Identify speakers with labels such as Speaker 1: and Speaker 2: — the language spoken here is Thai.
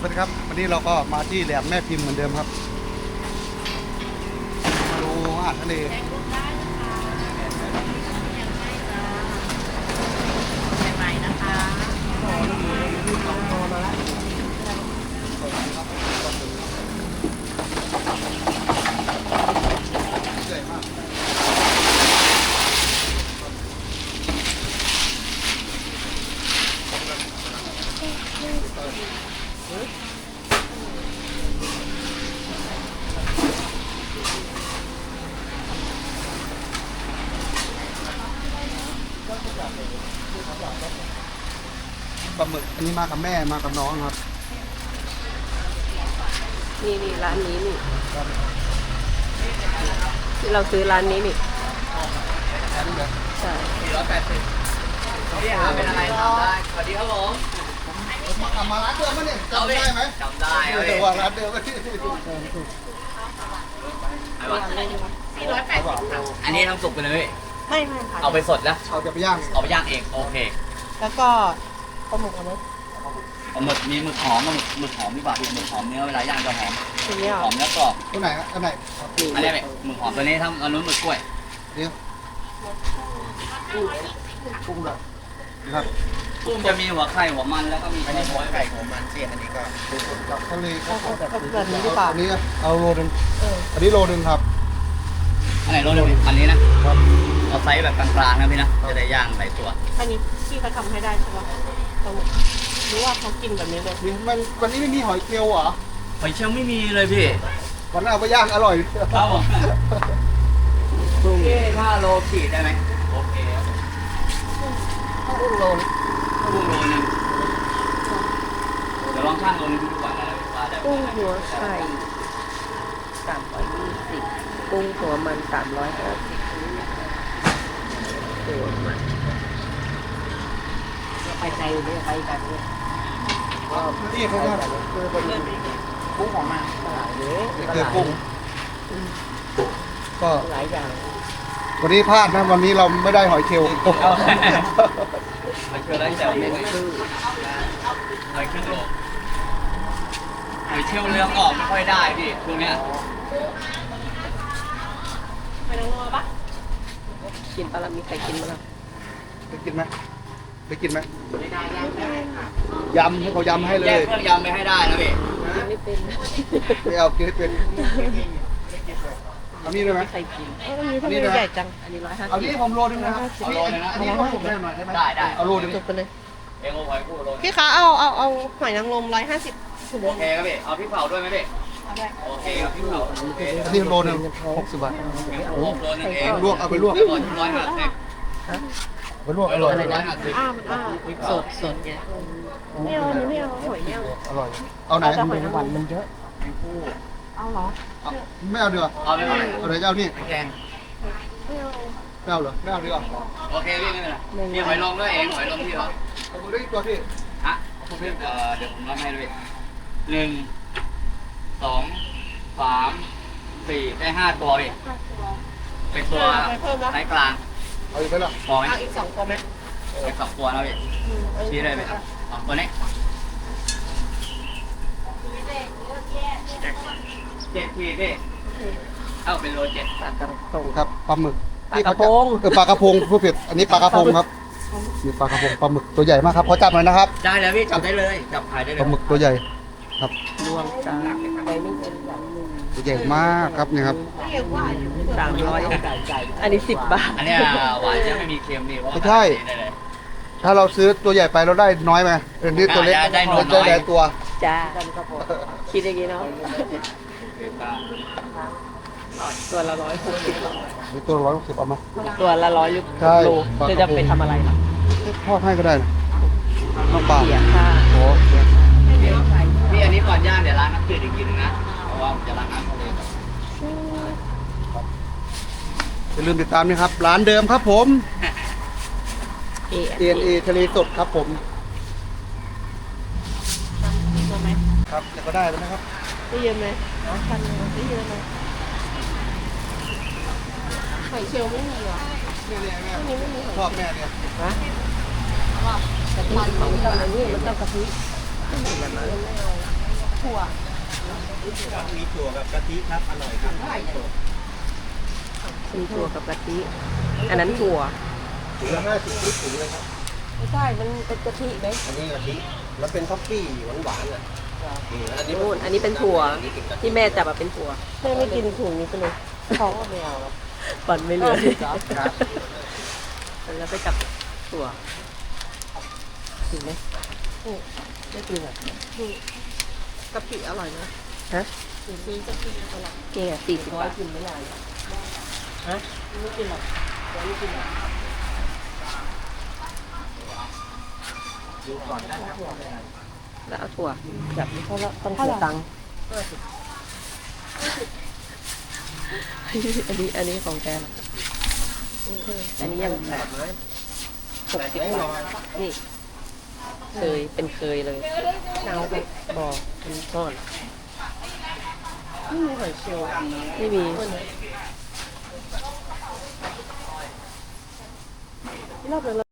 Speaker 1: วัสดีครับวันนี้เราก็มาที่แหลมแม่พิมพ์เหมือนเดิมครับมาดูอาหารทะเล
Speaker 2: ใหม่ๆนะคะ
Speaker 1: ใหญ่มากปลาหมึกอันนี้มากับแม่มากับน้องครับ
Speaker 2: นี่ร้านนี้นี่ที่เราซื้อร้านนี้นี่ใช่
Speaker 3: พี่หาเป็นอะไรทำได้สวัสดีครับผม
Speaker 1: มาร้านเดิมไหมเนี่ยจำได้ไหม
Speaker 3: จำได้ครับ
Speaker 1: แต่
Speaker 3: พี่
Speaker 1: ว่าร้านเดิมไหม
Speaker 3: อันนี้ทำสุกไปเลย
Speaker 2: ไม่ค่ะ
Speaker 3: เอาไปสดแล้ว
Speaker 1: เราจะไปย่าง
Speaker 3: เอาไปย่างเองโอเค
Speaker 2: แล้วก็ปลาหมึกเอาไหม
Speaker 3: เอาหมึกมีหมึกหอมหมึกหอมดีกว่าพี่หมึกหอมเนื้อเวลาย่างจะหอม
Speaker 2: ทีนี้
Speaker 3: หอมแล้วกรอบ
Speaker 1: ตัวไหนอันไหน
Speaker 3: อันนี้แบบหมึกหอมตัวนี้ทำอันนู้นหมึกกล้วย
Speaker 1: เดี๋ยวกุ้งแบบครับ
Speaker 3: กุ้งจะมีหัวไข่หัวมันแล้วก็มีหัวไข่หัวมันเสียอันนี้ก็
Speaker 1: กับทะเลก็
Speaker 2: แบบนี้ดีกว่า
Speaker 1: อันนี้เอาโลนึงอันนี้โลนึงครับ
Speaker 3: อันไหนรสเร็วอันนี้นะครับ เอาไซส์แบบกลางๆนะพี่นะจะได้ย่างหลายตัว
Speaker 2: อันนี้พี่เขาทำให้ได้ใช่ปะปลาหมึกหรือว่าเขากินแบบนี้เลย
Speaker 1: มันวันนี้ไม่มีหอยเกลียวเหรอ
Speaker 3: หอยเชลล์ไม่มีเลยพี่
Speaker 1: วันนั้นเอาไปย่างอร่อย
Speaker 3: ครับผมพี่ถ้าโลขีดได้ไหมโอเคครับ
Speaker 2: ต้องอุ้งโลน
Speaker 3: กุ้งโลนึงเดี๋ยวลองช่างโลนึงดูก่อนนะว่าได้
Speaker 2: กุ้งหัวไข่320กุ้งหัวมัน350หัวมันไปใจเลยไปกันเลย
Speaker 1: นี่เขาว่าคือเป็น
Speaker 3: กุ้งของมัน
Speaker 2: ตลาดเยอะ
Speaker 1: คือกุ้งก็
Speaker 2: หลายอย่าง
Speaker 1: วันนี้พลาดนะวันนี้เราไม่ได้หอยเชลล์
Speaker 3: มันคืออะไรแต่ไม่คือหอยเครื่องโลหอยเชลล์เรืองออกไม่ค่อยได้พี่ช่วงเนี้ย
Speaker 2: ไปนั่งรอปะกินปลามีใครกินมั้ง
Speaker 1: ไปกินไหมไปกินไหมยำให้เขายำให้เล
Speaker 3: แยก
Speaker 1: ย
Speaker 3: เครื่องยำไปให้ได้นะพี่
Speaker 2: กินไม่เป็น
Speaker 1: ไม่เอากินให้เป็นเอานี่ได้ไหม
Speaker 2: ใครกินอันนี้ทำไมใหญ่จังอันนี้150
Speaker 1: เอานี่ผมโลนึงนะครับอันนี้ก็ผมได้หน่อยได้ไหม
Speaker 3: ได้
Speaker 1: เอาโลนึง
Speaker 2: จบไปเลย
Speaker 3: เองเอาหอยคู่โล
Speaker 2: พี่คะเอาหอยนางรม150
Speaker 3: โอเคครับพี่เอาพริกเผาด้วยไหมพี่โอเคครับพริกเผาโอเค
Speaker 1: อันนี้โลนึง60 บาท
Speaker 3: โลนึงเอง
Speaker 1: ลวกเอาไปลวก
Speaker 3: ก่อน150
Speaker 1: ไปลวกอร่อย
Speaker 3: 150
Speaker 2: สดไงไม่เอาไม่เอาหอยไม่เอา
Speaker 1: อร่อยเอาไหน
Speaker 2: แต่หอยนางรมมันเยอะเอาเหรอ
Speaker 1: ไม่เอาเดือ
Speaker 3: เอาไปเท่าไหร่
Speaker 1: เอาไหนจะเอานี่
Speaker 3: แกง
Speaker 1: ไม่เอาเหรอไม่เอาดีกว่า
Speaker 3: โอเคพี่ไม่เป็นไรพี่หอยลงด้วยเองหอยลงพี่เหรอ
Speaker 1: เอาไปด้วยตัวพี่
Speaker 3: ฮะเดี๋ยวผมรับให้ด้วย1 2 3 4ได้5ตัวพี่เป็นตัวไซส์กลาง
Speaker 1: เอาอีกไหมล่ะ
Speaker 3: พอไหม
Speaker 2: เอาอีก2ตัวไหม
Speaker 3: เป็น2ตัวนะพี่ชี้ได้ไหมครับ2ตัวนี้7 ขีดพี่เอาเป็นโล7
Speaker 2: ปลากระพง
Speaker 1: ครับปลาหมึก
Speaker 2: ปลากระพง
Speaker 1: ปลากระพงผู้ผิดอันนี้ปลากระพงครับนี่ปลากระพงปลาหมึกตัวใหญ่มากครับขอจับหน่อยนะครับ
Speaker 3: ได้เลยพี่จับได้เลยจับขายได้เล
Speaker 1: ปลาย หมึกตัวใหญ่ครับ
Speaker 2: รวมจ้าไปไม่เป็นอย่างหนึ่ง
Speaker 1: ตัวใหญ่มากครับนี่ครับ
Speaker 2: 300อันนี้10 บาท
Speaker 3: อันเนี้ยหวานจะไม่มีเค็มดีเพราะ
Speaker 1: ไม่ใช่
Speaker 3: ได้เลย
Speaker 1: ถ้าเราซื้อตัวใหญ่ไปเราได้น้อยไหมอันนี้ตัวเล็ก
Speaker 3: ได้น้อย
Speaker 1: ได้หลายตัว
Speaker 2: จ้าคิดอย่างนี้เนาะตัวละ160
Speaker 1: นี่ตัว160เอามา
Speaker 2: ตัวละ100
Speaker 1: ใช่
Speaker 2: โลจะจะไปทำอะไรล่ะ
Speaker 1: ทอดให้ก็ได้นะน้ำปลา
Speaker 2: เสียค่า
Speaker 1: โอ้
Speaker 3: พี่อันนี้ก่อนย่างเดี๋ยวล้างน้ำจืดอีกทีนึงนะเพราะว่าผมจะล้างน้ำทะเลก่อน
Speaker 1: อย่าลืมติดตามนะครับร้านเดิมครับผม
Speaker 2: เอ
Speaker 1: DNA ทะเลสดครับผม
Speaker 2: ตัวไหม
Speaker 1: ครับจะก็ได้แล้วนะครับ
Speaker 2: ได้เยอะไหมพันได้เยอะไหมหอยเชลล์ไม่มีเหรอ
Speaker 1: เนี่ยแม่
Speaker 2: อันนี้ไม่มีหอย
Speaker 1: ชอบแม่เนี่ย
Speaker 2: ฮะกะทิของมันต้องกะทิไม่เอาถั่ว
Speaker 4: มีถั่วกับกะทิครับ อร่อยครับ
Speaker 2: มีถั่วกับกะทิ อันนั้นถั่ว
Speaker 4: ถุงละ50 ลิตรถุงเลยครับ
Speaker 2: ไม่ใช่ มันเป็นกะทิไหม
Speaker 4: อันนี้กะทิแล้วเป็นท็อฟฟี่หวานๆอ่ะอันนี้
Speaker 2: นู่นอันนี้เป็นถั่ว
Speaker 4: อันนี้เป็นกะทิ
Speaker 2: ที่แม่จับมาเป็นถั่วแม่ไม่กินถุงนี้ไปเลยเขาก็ไม่เอาปั่นไม่เหลือแล้วไปจับถั่วกินไหมไม่กินอ่ะกะปิอร่อยนะฮะซื้อกะปิอร่อยเก่งอ่ะ40 บาทกินไม่ได้ฮะไม่กินหรอกไม่กินหรอก
Speaker 4: ดูก่อนได้ครับ
Speaker 2: แล้วเอาถั่วจับนี่เขาแล้วต้องเสียตังค์อันนี้ของแกนะอันนี้ยังแบบ60 บาทนี่เป็นเคยเลยเอาไปบอกเป็นก้อนไม่มีหอยเชลล์ไม่มีรอบนึง